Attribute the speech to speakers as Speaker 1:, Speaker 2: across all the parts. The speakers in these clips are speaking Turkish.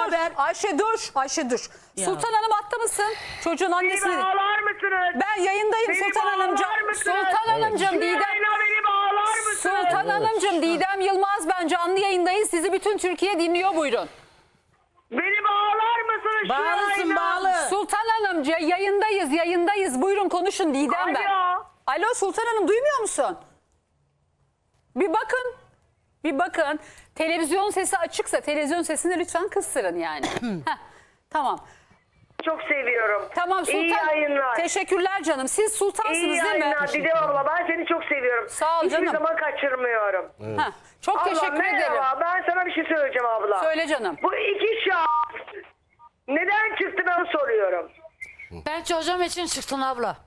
Speaker 1: haber?
Speaker 2: Ayşe dur. Ayşe dur.
Speaker 1: Ya.
Speaker 2: Sultan Hanım hatta mısın? Çocuğun
Speaker 3: Beni
Speaker 2: annesini.
Speaker 3: bağlar mısınız?
Speaker 2: Ben yayındayım
Speaker 3: Beni
Speaker 2: Sultan Hanımcığım.
Speaker 3: bağlar mısınız?
Speaker 2: Sultan Hanımcığım
Speaker 3: Şu
Speaker 2: Didem.
Speaker 3: yayına beni bağlar mısınız?
Speaker 2: Sultan Hanımcığım Didem Yılmaz ben canlı yayındayız. Sizi bütün Türkiye dinliyor, buyurun.
Speaker 3: Beni bağlar mısınız şu
Speaker 1: Bağlısın,
Speaker 3: yayına?
Speaker 1: bağlı.
Speaker 2: Sultan Hanımcığım yayındayız. Buyurun konuşun Didem ben.
Speaker 3: Alo.
Speaker 2: Alo Sultan Hanım duymuyor musun? Bir bakın. Bir bakın. Televizyon sesi açıksa televizyon sesini lütfen kıstırın yani. Heh, tamam.
Speaker 3: Çok seviyorum.
Speaker 2: Tamam Sultan.
Speaker 3: İyi yayınlar.
Speaker 2: Teşekkürler canım. Siz sultansınız
Speaker 3: İyi
Speaker 2: değil mi?
Speaker 3: yayınlar Didem abla. Ben seni çok seviyorum.
Speaker 2: Sağ ol
Speaker 3: Hiçbir
Speaker 2: canım.
Speaker 3: zaman kaçırmıyorum.
Speaker 2: Heh, çok
Speaker 3: Abla
Speaker 2: teşekkür ederim.
Speaker 3: merhaba. Ben sana bir şey söyleyeceğim abla.
Speaker 2: Söyle canım.
Speaker 3: Bu iki şahıs neden çıktı ben soruyorum.
Speaker 4: Ben çocuğum için çıktım abla.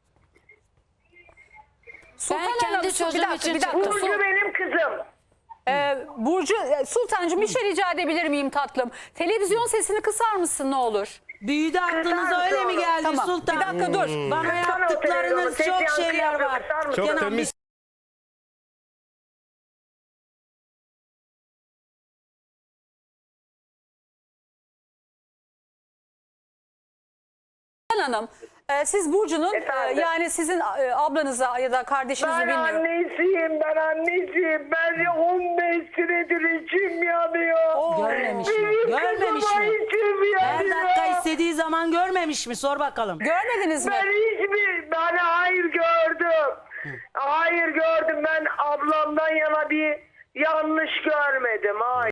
Speaker 2: Sultan
Speaker 4: kendi
Speaker 2: Hanım,
Speaker 4: çocuğum için
Speaker 2: bir dakika.
Speaker 4: çıktım.
Speaker 3: Burcu benim kızım.
Speaker 2: Burcu, Sultancığım bir şey rica edebilir miyim tatlım? Televizyon sesini kısar mısın ne olur?
Speaker 1: Büyüdü aklınıza öyle mi geldi
Speaker 2: Tamam.
Speaker 1: Sultan?
Speaker 2: Bir dakika dur.
Speaker 1: Bana yaptıklarınız çok şeyler var.
Speaker 5: Çok
Speaker 1: Kenan,
Speaker 5: temiz.
Speaker 2: Sultan Hanım, siz Burcu'nun
Speaker 3: Efendim?
Speaker 2: yani sizin ablanıza ya da kardeşinizi
Speaker 3: Ben
Speaker 2: bilmiyorum.
Speaker 3: annesiyim, ben annesiyim. Ben 15 senedir içim yanıyor.
Speaker 1: Görmemiş mi?
Speaker 3: Benim
Speaker 1: Görmemiş
Speaker 3: kızıma
Speaker 1: mi?
Speaker 3: içim
Speaker 1: Her
Speaker 3: yanıyor.
Speaker 1: dakika istediği zaman görmemiş mi? Sor bakalım.
Speaker 2: Görmediniz mi?
Speaker 3: Ben hayır gördüm. Hayır gördüm. Ben ablamdan yana bir yanlış görmedim. Hayır.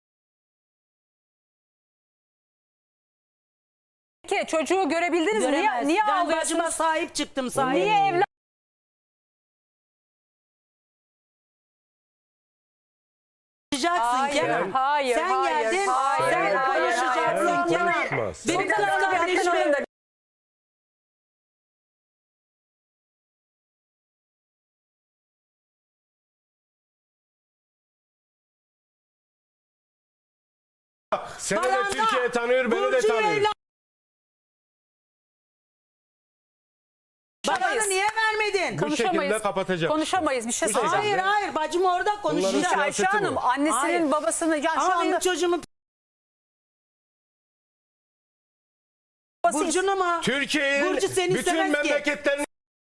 Speaker 2: Peki çocuğu görebildiniz mi?
Speaker 1: Göremez.
Speaker 2: Niye
Speaker 1: Ben
Speaker 2: ağlıyorsunuz?
Speaker 1: bacıma sahip çıktım. Sahip.
Speaker 2: Niye evlat?
Speaker 1: Konuşacaksın
Speaker 2: Hayır,
Speaker 1: Kenan.
Speaker 2: hayır,
Speaker 1: Sen
Speaker 2: hayır,
Speaker 1: geldin.
Speaker 2: hayır,
Speaker 1: sen
Speaker 2: hayır,
Speaker 1: konuşacaksın
Speaker 2: hayır.
Speaker 1: Kenan.
Speaker 5: Konuşmaz.
Speaker 1: Benim
Speaker 2: Sultan
Speaker 1: kız
Speaker 2: Hanım,
Speaker 1: kardeşim.
Speaker 2: yakın
Speaker 5: Seni de
Speaker 1: Baranda,
Speaker 5: Türkiye tanıyor, beni de
Speaker 1: Burcu'yu
Speaker 5: tanıyor.
Speaker 1: evlat-
Speaker 2: Konuşamayız.
Speaker 1: Bana niye vermedin?
Speaker 5: Bu şekilde kapatacak.
Speaker 2: Konuşamayız bir şey
Speaker 5: Bu
Speaker 2: söyleyeceğim.
Speaker 1: Hayır hayır bacım orada
Speaker 5: Bunların
Speaker 1: konuşacak.
Speaker 5: siyaseti
Speaker 2: Ayşe
Speaker 5: bu.
Speaker 2: Hanım annesinin
Speaker 1: Hayır.
Speaker 2: babasını yani şu
Speaker 1: Ama
Speaker 2: anda
Speaker 1: benim çocuğumun
Speaker 2: babası
Speaker 1: Burcu'nu mu?
Speaker 5: Türkiye'nin
Speaker 1: Burcu seni
Speaker 5: bütün
Speaker 1: istemez ki.
Speaker 5: memleketlerini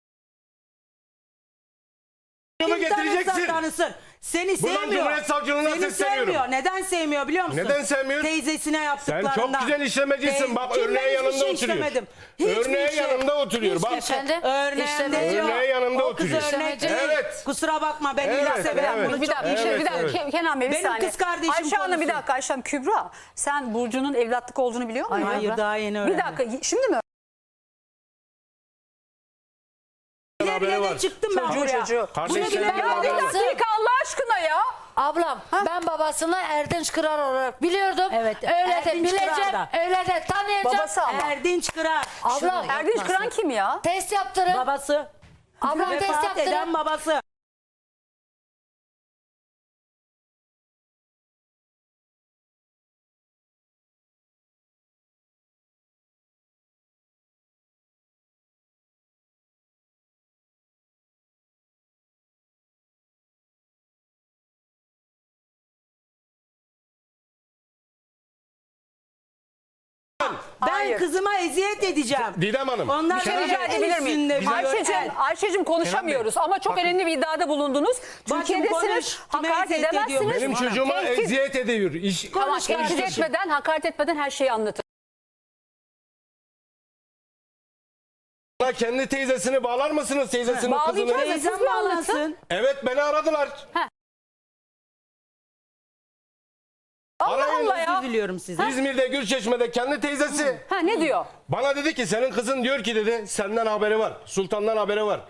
Speaker 1: Kim
Speaker 5: getireceksin.
Speaker 1: tanısın? Seni
Speaker 5: Buradan
Speaker 1: sevmiyor.
Speaker 5: Cumhuriyet Savcılığına
Speaker 1: Seni
Speaker 5: sesleniyorum.
Speaker 1: sevmiyor. Neden sevmiyor biliyor musun?
Speaker 5: Neden sevmiyor?
Speaker 1: Teyzesine
Speaker 5: Sen
Speaker 1: yaptıklarından.
Speaker 5: çok güzel işlemecisin. Bak
Speaker 1: Kim, ben
Speaker 5: örneğe
Speaker 1: hiçbir
Speaker 5: yanında
Speaker 1: şey
Speaker 5: oturuyor.
Speaker 1: işlemedim. Hiçbir
Speaker 5: Örneğe
Speaker 1: şey.
Speaker 5: yanında oturuyor. Bak.
Speaker 4: Efendim?
Speaker 1: Örneğinde
Speaker 4: İşlemeci
Speaker 1: diyor.
Speaker 5: Örneğe yanında
Speaker 1: O kız
Speaker 5: oturuyor.
Speaker 1: örnek değil.
Speaker 5: Evet.
Speaker 1: Kusura bakma ben
Speaker 5: Evet,
Speaker 1: ilah severim.
Speaker 5: evet.
Speaker 1: Bunu
Speaker 2: Bir
Speaker 1: çok
Speaker 2: dakika,
Speaker 1: iyi
Speaker 2: bir dakika,
Speaker 5: evet.
Speaker 2: Kenan Bey bir
Speaker 1: Benim
Speaker 2: saniye.
Speaker 1: kız kardeşim
Speaker 2: Ayşe Hanım bir
Speaker 1: konuşsun.
Speaker 2: dakika, Ayşe Hanım Kübra. Sen Burcu'nun evlatlık olduğunu biliyor musun?
Speaker 1: Hayır daha yeni
Speaker 2: Bir
Speaker 1: öğrendim.
Speaker 2: dakika, şimdi mi?
Speaker 5: Haberi
Speaker 1: İleriye
Speaker 5: var.
Speaker 1: de çıktım ben
Speaker 2: Çocuğu,
Speaker 1: buraya.
Speaker 2: çocuğu.
Speaker 5: Kardeşlerim
Speaker 4: Ben
Speaker 2: Ya bir
Speaker 5: haberi var.
Speaker 2: dakika Allah aşkına ya.
Speaker 4: Ablam ben babasını Erdinç Kırar olarak biliyordum.
Speaker 1: Evet,
Speaker 4: Öyle de
Speaker 1: Erdinç
Speaker 4: bileceğim.
Speaker 1: Kırar da.
Speaker 4: Öyle de tanıyacağım.
Speaker 2: Babası ama.
Speaker 1: Erdinç Kırar.
Speaker 4: Ablam
Speaker 2: Erdinç Kıran kim ya?
Speaker 4: test yaptırın.
Speaker 1: Babası.
Speaker 4: Ablam test
Speaker 1: Vefat
Speaker 4: yaptırın.
Speaker 1: eden babası. Ben
Speaker 2: Hayır.
Speaker 1: kızıma eziyet edeceğim.
Speaker 5: Didem Hanım.
Speaker 1: Onlar
Speaker 2: Bir şey
Speaker 1: benim
Speaker 2: rica
Speaker 1: el
Speaker 2: edebilir
Speaker 1: üstünde
Speaker 2: miyim?
Speaker 1: biliyor.
Speaker 2: Ayşe'cim konuşamıyoruz ama çok
Speaker 5: bakın.
Speaker 2: önemli bir iddiada bulundunuz.
Speaker 1: Bacım
Speaker 2: Türkiye'desiniz,
Speaker 1: konuş, kime
Speaker 2: hakaret
Speaker 1: eziyet ediyor?
Speaker 2: edemezsiniz.
Speaker 5: Benim çocuğuma
Speaker 2: Tehdit-
Speaker 5: eziyet ediyor.
Speaker 2: Tamam,
Speaker 1: Konuş
Speaker 2: tehdit
Speaker 1: kardeşim.
Speaker 2: etmeden, hakaret etmeden her şeyi anlatın.
Speaker 5: Bana kendi teyzesini bağlar mısınız? Teyzesinin
Speaker 2: Bağlayacağız.
Speaker 5: kızını.
Speaker 2: Siz
Speaker 1: Teyzem
Speaker 2: mi anlatın?
Speaker 1: bağlansın.
Speaker 5: Evet beni aradılar.
Speaker 2: Allah
Speaker 5: Arayın,
Speaker 2: Allah ya.
Speaker 1: Özür diliyorum size.
Speaker 5: İzmir'de Gülçeşme'de kendi teyzesi.
Speaker 2: Ha ne diyor?
Speaker 5: Bana dedi ki senin kızın diyor ki dedi senden haberi var. Sultan'dan haberi var.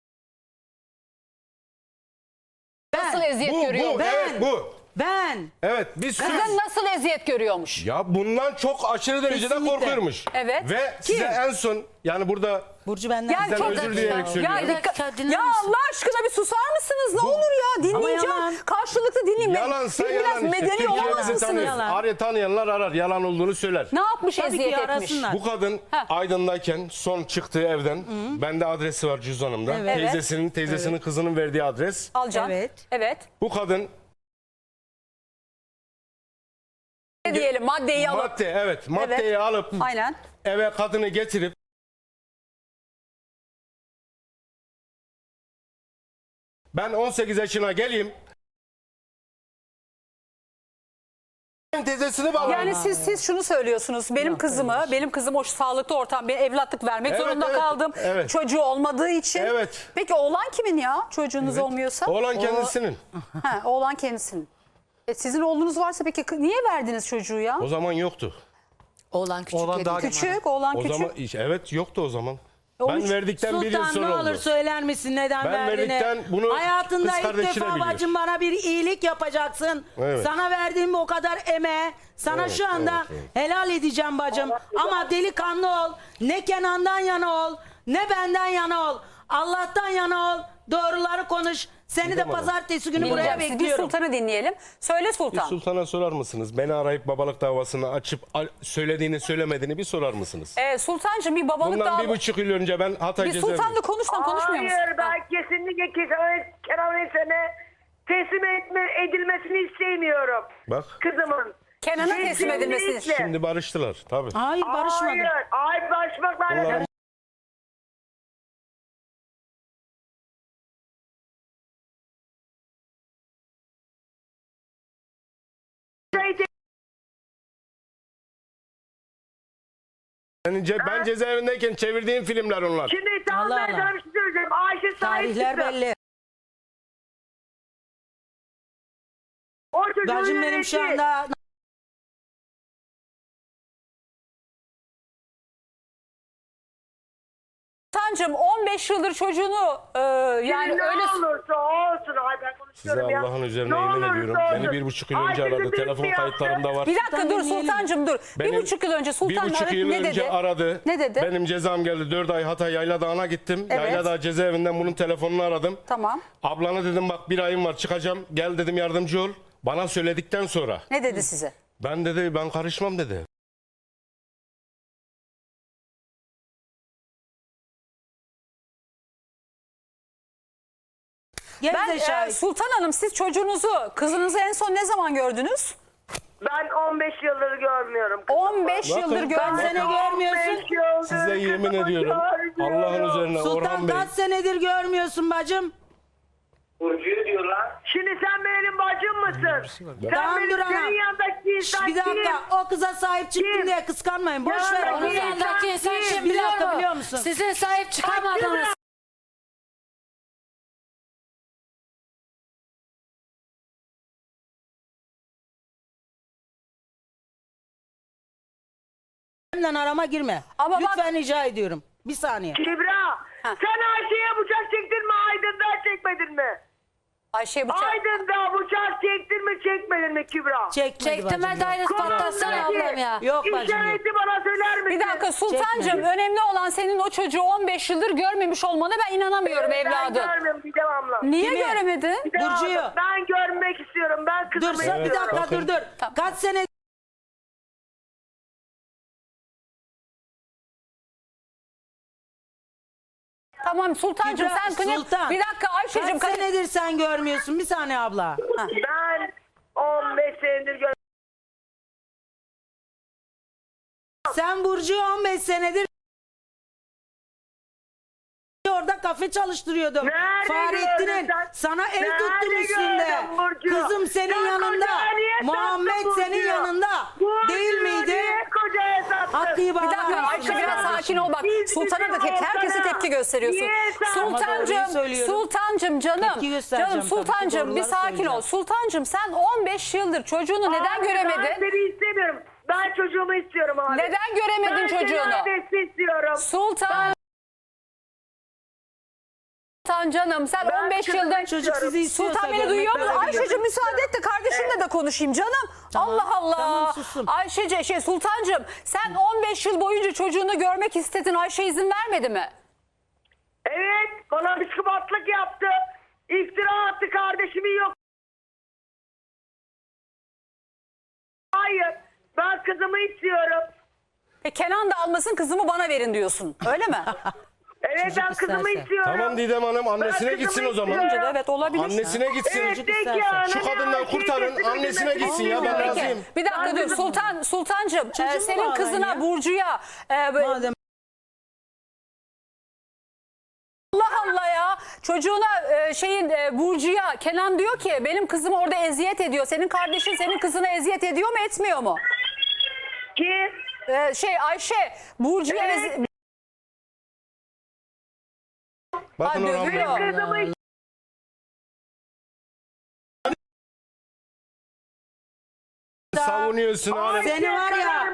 Speaker 2: Nasıl eziyet
Speaker 5: Bu
Speaker 2: görüyor?
Speaker 5: evet bu.
Speaker 1: Ben.
Speaker 5: Evet biz
Speaker 2: Kızın nasıl eziyet görüyormuş?
Speaker 5: ya bundan çok aşırı derecede
Speaker 1: Kesinlikle.
Speaker 5: korkuyormuş.
Speaker 2: Evet.
Speaker 5: Ve size en son yani burada
Speaker 1: Burcu benden.
Speaker 2: Yani
Speaker 5: Sizden
Speaker 2: çok
Speaker 5: özür dileyerek
Speaker 2: ya,
Speaker 5: söylüyorum.
Speaker 2: ya Allah aşkına bir susar mısınız? Ne olur ya dinleyeceğim.
Speaker 1: yalan.
Speaker 2: Karşılıklı dinleyin.
Speaker 5: yalansa
Speaker 2: Biraz
Speaker 5: yalan işte.
Speaker 2: medeni
Speaker 5: Türkiye
Speaker 2: olamaz
Speaker 5: bizi
Speaker 2: mısınız?
Speaker 5: tanıyor.
Speaker 1: Yalan.
Speaker 5: Tanıyanlar arar yalan olduğunu söyler.
Speaker 2: Ne yapmış
Speaker 1: Tabii
Speaker 2: eziyet
Speaker 1: ki
Speaker 2: etmiş?
Speaker 1: arasınlar.
Speaker 5: Bu kadın
Speaker 2: Ha.
Speaker 5: Aydın'dayken son çıktığı evden bende adresi var cüzdanımda.
Speaker 1: Evet.
Speaker 5: Teyzesinin kızının verdiği adres.
Speaker 2: Alcan.
Speaker 1: Evet.
Speaker 2: Evet.
Speaker 5: Bu kadın
Speaker 2: diyelim. Maddeyi alıp.
Speaker 5: Madde, evet. Maddeyi
Speaker 2: Evet.
Speaker 5: alıp
Speaker 2: Aynen.
Speaker 5: eve kadını getirip ben 18 yaşına geleyim. Teyzesini bağlarım.
Speaker 2: Yani siz şunu söylüyorsunuz. Benim kızım o sağlıklı ortam, bir evlatlık vermek
Speaker 5: Evet,
Speaker 2: zorunda
Speaker 5: evet,
Speaker 2: kaldım.
Speaker 5: evet.
Speaker 2: Çocuğu olmadığı için.
Speaker 5: Evet.
Speaker 2: Peki oğlan kimin ya? Çocuğunuz olmuyorsa?
Speaker 5: Oğlan kendisinin.
Speaker 2: Ha, oğlan kendisinin. Sizin oğlunuz varsa peki niye verdiniz çocuğu ya?
Speaker 5: O zaman yoktu.
Speaker 4: Oğlan küçük.
Speaker 6: Oğlan daha
Speaker 2: Küçük, oğlan
Speaker 5: O
Speaker 2: küçük.
Speaker 5: zaman evet yoktu o zaman.
Speaker 2: Olmuş.
Speaker 5: Ben verdikten bir yıl
Speaker 1: Sultan ne
Speaker 5: sonra
Speaker 1: olur
Speaker 5: oldu.
Speaker 1: söyler misin neden
Speaker 5: Ben
Speaker 1: verdiğini?
Speaker 5: verdikten bunu
Speaker 1: Hayatında
Speaker 5: kız
Speaker 1: ilk
Speaker 5: kardeşi de
Speaker 1: defa
Speaker 5: biliyor.
Speaker 1: bacım bana bir iyilik yapacaksın.
Speaker 5: Evet.
Speaker 1: Sana verdiğim o kadar emeğe sana
Speaker 5: Evet,
Speaker 1: şu anda
Speaker 5: evet, evet.
Speaker 1: helal edeceğim bacım. Ama delikanlı ol. Ne Kenan'dan yana ol, ne benden yana ol. Allah'tan yana ol. Doğruları konuş. Seni de
Speaker 5: Didem Hanım.
Speaker 1: pazartesi günü buraya
Speaker 2: Bileceğim. Siz bir
Speaker 1: bekliyorum.
Speaker 2: Sultan'ı dinleyelim. Söyle
Speaker 5: Bir
Speaker 2: Sultan.
Speaker 5: Sultan'a sorar mısınız? Beni arayıp babalık davasını açıp söylediğini söylemediğini bir sorar mısınız?
Speaker 2: Sultancığım bir babalık
Speaker 5: Bundan
Speaker 2: daha...
Speaker 5: 1,5 yıl önce ben Hatay
Speaker 2: Bir
Speaker 5: cezaevinde.
Speaker 2: Sultan'la konuşmuyor musun?
Speaker 3: Hayır ben kesinlikle Kenan Esen'e teslim edilmesini istemiyorum.
Speaker 5: Bak
Speaker 3: Kızımın.
Speaker 2: Kenan'a teslim edilmesini.
Speaker 3: Kesinlikle.
Speaker 5: şimdi barıştılar tabii.
Speaker 1: Hayır barışmadım.
Speaker 3: Hayır barışmakla
Speaker 5: Onlar-
Speaker 3: alakalı.
Speaker 5: Ben cezaevindeyken çevirdiğim filmler onlar.
Speaker 3: Şimdi tamam
Speaker 1: Allah
Speaker 3: ben
Speaker 1: Allah.
Speaker 3: sana bir şey söyleyeceğim. Ayşe sahip
Speaker 1: Tarihler
Speaker 3: çıktı.
Speaker 1: belli.
Speaker 3: O çocuğu
Speaker 1: Bacım benim şu
Speaker 3: yönetti.
Speaker 1: anda
Speaker 2: Sultancığım 15 yıldır çocuğunu yani
Speaker 3: ne
Speaker 2: öyle...
Speaker 3: olursa olsun. Ay ben
Speaker 5: Size
Speaker 3: konuşuyorum ya.
Speaker 5: Allah'ın üzerine
Speaker 3: Ne
Speaker 5: yemin
Speaker 3: olursa
Speaker 5: ediyorum. Beni
Speaker 3: olsun.
Speaker 5: 1,5 yıl önce
Speaker 3: Ayşe
Speaker 5: aradı.
Speaker 3: bir
Speaker 5: Telefon
Speaker 3: yaptı.
Speaker 5: kayıtlarımda var.
Speaker 2: Bir dakika dur
Speaker 3: Tabii
Speaker 2: Sultancığım dur.
Speaker 5: Benim
Speaker 2: 1,5 yıl önce Sultan
Speaker 5: 1,5 yıl
Speaker 2: ne
Speaker 5: önce
Speaker 2: dedi?
Speaker 5: aradı.
Speaker 2: Ne dedi?
Speaker 5: Benim cezam geldi. 4 ay Hatay Yayladağ'ına gittim.
Speaker 2: Evet.
Speaker 5: Yayladağ cezaevinden bunun telefonunu aradım.
Speaker 2: Tamam.
Speaker 5: Ablana dedim bak bir ayım var çıkacağım. Gel dedim yardımcı ol. Bana söyledikten sonra.
Speaker 2: Ne dedi size?
Speaker 5: Ben dedi ben karışmam dedi.
Speaker 1: gel
Speaker 2: Ben
Speaker 1: de şahit.
Speaker 2: Sultan Hanım siz kızınızı en son ne zaman gördünüz?
Speaker 3: Ben 15 yıldır görmüyorum.
Speaker 2: 15
Speaker 5: Bakın,
Speaker 2: yıldır
Speaker 1: Kaç
Speaker 2: görmüyorsunuz.
Speaker 1: sene görmüyorsun?
Speaker 3: 15 yıldır
Speaker 5: Size yemin
Speaker 3: kızımı
Speaker 5: ediyorum.
Speaker 3: görmüyorum.
Speaker 5: Allah'ın üzerine
Speaker 1: Sultan
Speaker 5: Orhan Bey.
Speaker 1: kaç senedir görmüyorsun bacım?
Speaker 3: Burcu'yu diyor lan. Şimdi sen benim bacım mısın? Sen
Speaker 1: Tamam,
Speaker 3: benim
Speaker 1: dur ana.
Speaker 3: senin yanındaki insan
Speaker 1: Bir dakika
Speaker 3: kim?
Speaker 1: o kıza sahip çıktın
Speaker 3: Kim?
Speaker 1: diye kıskanmayın. Boş
Speaker 3: Ya,
Speaker 1: ver
Speaker 3: onun
Speaker 1: onu.
Speaker 4: Onun yanındaki insan
Speaker 3: Bir
Speaker 4: kim
Speaker 1: Bir
Speaker 4: biliyor
Speaker 1: dakika
Speaker 4: musun?
Speaker 1: biliyor musun?
Speaker 4: Sizin sahip çıkamadınız.
Speaker 1: Benden arama girme.
Speaker 2: Ama bak-
Speaker 1: Lütfen rica ediyorum. Bir saniye.
Speaker 3: Kübra, sen Ayşe'ye bıçak çektin mi Aydın'dan çekmedin mi?
Speaker 2: Ayşe bıçak.
Speaker 3: Aydın'da bıçak çektin mi çekmedin mi Kübra?
Speaker 1: Çekmedi
Speaker 4: Çektim
Speaker 1: bacım.
Speaker 4: ben daire patlatsana ablam ya.
Speaker 1: Yok bacım yok.
Speaker 3: İşareti bana söyler misin?
Speaker 2: Bir dakika Sultancığım
Speaker 1: Çekmedi.
Speaker 2: önemli olan senin o çocuğu 15 yıldır görmemiş olmana ben inanamıyorum evladım.
Speaker 3: Ben görmüyorum bir devamlı.
Speaker 2: Niye
Speaker 1: Kimi?
Speaker 2: göremedin?
Speaker 3: Bir devamlı.
Speaker 1: Burcu'yu.
Speaker 3: Ben görmek istiyorum. Ben
Speaker 1: Dur
Speaker 3: kızımı
Speaker 1: sen bir
Speaker 3: istiyorum.
Speaker 1: dakika
Speaker 5: Bakın.
Speaker 1: dur.
Speaker 2: Tamam.
Speaker 1: Kaç sene
Speaker 2: Tamam Sultancığım
Speaker 1: Kübra,
Speaker 2: sen
Speaker 1: Sultan.
Speaker 2: bir dakika Ayşe'cim
Speaker 1: kaç senedir sen görmüyorsun? Bir saniye abla.
Speaker 3: Ben 15 senedir görmüyorum.
Speaker 1: Sen Burcu'yu 15 senedir orada kafe çalıştırıyordum.
Speaker 3: Nerede
Speaker 1: Fahrettin'in
Speaker 3: gördün sen?
Speaker 1: sana ev
Speaker 3: Nerede
Speaker 1: tuttum üstünde.
Speaker 3: gördün Burcu?
Speaker 1: Kızım senin
Speaker 3: Sen
Speaker 1: yanında.
Speaker 3: kocaya niye sattın
Speaker 1: Muhammed
Speaker 3: Burcu'yu?
Speaker 1: senin yanında.
Speaker 3: Burcu'yu
Speaker 1: Değil miydi?
Speaker 3: niye kocaya sattın?
Speaker 1: Hakkıyı
Speaker 2: Bir
Speaker 1: bağlar
Speaker 2: dakika
Speaker 1: mısın
Speaker 2: Ayşe biraz
Speaker 1: kardeşim?
Speaker 2: sakin ol bak.
Speaker 3: Biz
Speaker 2: Sultan'a da
Speaker 3: bizim
Speaker 2: herkese
Speaker 3: Volkan'a
Speaker 2: tepki gösteriyorsun.
Speaker 3: niye sen-
Speaker 1: Ama doğruyu
Speaker 2: Sultancığım,
Speaker 1: söylüyorum.
Speaker 2: Sultancığım canım.
Speaker 1: Tepki göstereceğim
Speaker 2: Canım
Speaker 1: tabii ki,
Speaker 2: Sultancığım bir
Speaker 1: doğruları
Speaker 2: sakin ol.
Speaker 1: söyleyeceğim.
Speaker 2: Sultancığım sen 15 yıldır çocuğunu neden
Speaker 3: Abi, Ben
Speaker 2: göremedin?
Speaker 3: seni istemiyorum. Ben çocuğumu istiyorum abi.
Speaker 2: Neden göremedin
Speaker 3: ben
Speaker 2: çocuğunu?
Speaker 3: Ben seni istiyorum.
Speaker 2: Sultan canım sen
Speaker 3: Ben
Speaker 2: 15
Speaker 3: kızımı
Speaker 2: yıldır
Speaker 1: Çocuk sizi istiyorsa
Speaker 2: Sultan beni
Speaker 1: görmek
Speaker 2: duyuyor mu?
Speaker 1: böyle bir-
Speaker 2: Ayşe'cim müsaade et de kardeşimle de konuşayım canım.
Speaker 1: Tamam,
Speaker 2: Allah Allah.
Speaker 1: tamam, susun.
Speaker 2: Sultancığım sen 15 yıl boyunca çocuğunu görmek istedin. Ayşe izin vermedi mi?
Speaker 3: Evet, bana bir sıkıntılık yaptı. İftira attı, kardeşimi yok. Hayır, ben kızımı istiyorum.
Speaker 2: Kenan da almasın kızımı bana verin diyorsun. Öyle mi?
Speaker 3: Evet
Speaker 1: Çocuk
Speaker 3: ben kızımı
Speaker 1: isterse.
Speaker 3: istiyorum.
Speaker 5: Tamam Didem Hanım, annesine
Speaker 3: Ben
Speaker 5: gitsin o
Speaker 3: kızımı
Speaker 5: zaman.
Speaker 3: istiyorum.
Speaker 2: Evet olabilir.
Speaker 5: Annesine gitsin.
Speaker 3: Evet
Speaker 1: Çocuk
Speaker 3: peki
Speaker 1: isterse.
Speaker 3: ya.
Speaker 5: Şu kadından kurtarın, annesine gitsin ya, ben
Speaker 2: Peki
Speaker 5: razıyım.
Speaker 2: bir dakika dur Sultancığım
Speaker 1: Çocuğumu
Speaker 2: senin
Speaker 1: bağlayın
Speaker 2: kızına
Speaker 1: ya.
Speaker 2: Burcu'ya
Speaker 1: Madem
Speaker 2: Allah Allah ya çocuğuna Burcu'ya Kenan diyor ki benim kızım orada eziyet ediyor. Senin kardeşin senin kızına eziyet ediyor mu etmiyor mu?
Speaker 3: Ki
Speaker 2: Ayşe Burcu'ya
Speaker 3: Evet.
Speaker 5: Bakın
Speaker 2: Ay,
Speaker 5: Orhan Bey.
Speaker 2: dövüyor.
Speaker 3: kızımı
Speaker 5: Savunuyorsun hala.
Speaker 1: seni var ya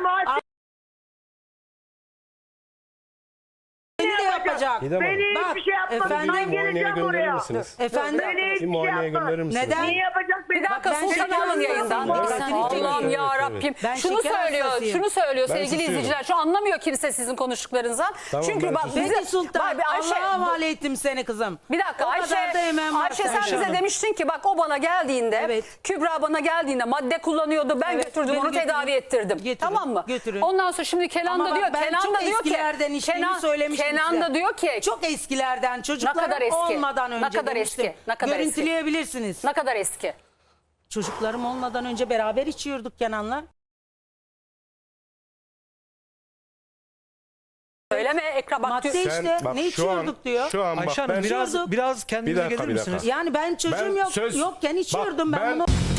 Speaker 1: seni de yapacak.
Speaker 5: Didem Hanım.
Speaker 3: Beni
Speaker 1: Bak,
Speaker 3: hiçbir şey yapmadı.
Speaker 1: efendim,
Speaker 3: Ben
Speaker 5: muayeneye
Speaker 3: geleceğim
Speaker 5: gönderir
Speaker 3: oraya.
Speaker 5: misiniz?
Speaker 1: Efendim
Speaker 3: Beni
Speaker 5: Bir
Speaker 3: hiçbir şey
Speaker 5: muayeneye
Speaker 3: yapmaz.
Speaker 5: gönderir misiniz?
Speaker 1: Neden?
Speaker 3: Ne yapacak beni?
Speaker 2: Bir dakika
Speaker 1: Ben
Speaker 2: Sultan
Speaker 1: şeker
Speaker 2: alın yayından.
Speaker 1: hastasıyım.
Speaker 2: Allah'ım
Speaker 5: Evet,
Speaker 2: ya
Speaker 5: evet,
Speaker 2: Rabbim.
Speaker 5: evet.
Speaker 1: Ben
Speaker 2: Şunu
Speaker 1: şeker
Speaker 2: söylüyor,
Speaker 1: hastasıyım.
Speaker 2: şunu söylüyor
Speaker 5: Ben
Speaker 2: sevgili
Speaker 5: susuyorum.
Speaker 2: izleyiciler. Şu anlamıyor kimse sizin konuştuklarınızdan.
Speaker 5: Tamam,
Speaker 2: Çünkü
Speaker 5: ben
Speaker 2: bak
Speaker 5: susuyorum.
Speaker 2: bize
Speaker 1: Peki Sultan,
Speaker 2: Bak, Ayşe,
Speaker 1: Allah'a havale ettim seni kızım.
Speaker 2: bir dakika
Speaker 1: O
Speaker 2: Ayşe,
Speaker 1: kadar da emeğim var
Speaker 2: Ayşe sen
Speaker 1: Ayşe
Speaker 2: bize
Speaker 1: Hanım.
Speaker 2: demiştin ki bak o bana geldiğinde,
Speaker 1: Evet.
Speaker 2: Kübra bana geldiğinde madde kullanıyordu. Ben
Speaker 1: Evet,
Speaker 2: götürdüm
Speaker 1: beni
Speaker 2: onu
Speaker 1: götürün.
Speaker 2: tedavi ettirdim.
Speaker 1: Götürün,
Speaker 2: Tamam mı?
Speaker 1: götürün.
Speaker 2: Ondan sonra şimdi Kenan
Speaker 1: Ama
Speaker 2: da
Speaker 1: bak
Speaker 2: diyor,
Speaker 1: ben
Speaker 2: Kenan
Speaker 1: çok
Speaker 2: da diyor ki,
Speaker 1: eskilerden içtiğimi söylemiştim
Speaker 2: Kenan
Speaker 1: size.
Speaker 2: da diyor ki
Speaker 1: Çok eskilerden çocuklarım
Speaker 2: kadar eski?
Speaker 1: olmadan önce
Speaker 2: Ne kadar
Speaker 1: demiştim.
Speaker 2: eski? Ne kadar eski?
Speaker 1: Görüntüleyebilirsiniz.
Speaker 2: ne kadar eski?
Speaker 1: Çocuklarım olmadan önce beraber içiyorduk Kenan'la.
Speaker 2: Söyleme ekran bak.
Speaker 1: Madde
Speaker 2: diyor-
Speaker 1: işte
Speaker 5: bak,
Speaker 1: ne
Speaker 5: şu
Speaker 1: içiyorduk
Speaker 5: an-
Speaker 1: diyor.
Speaker 5: Şu an bak
Speaker 6: Ayşe
Speaker 5: ben
Speaker 6: Hanım biraz
Speaker 1: içiyorduk.
Speaker 6: kendinize
Speaker 5: Bir dakika,
Speaker 6: gelir
Speaker 5: bir dakika.
Speaker 6: misiniz?
Speaker 1: Yani ben çocuğum
Speaker 5: Ben
Speaker 1: yok
Speaker 5: söz-
Speaker 1: yokken içiyordum
Speaker 5: Bak,
Speaker 1: ben bunu.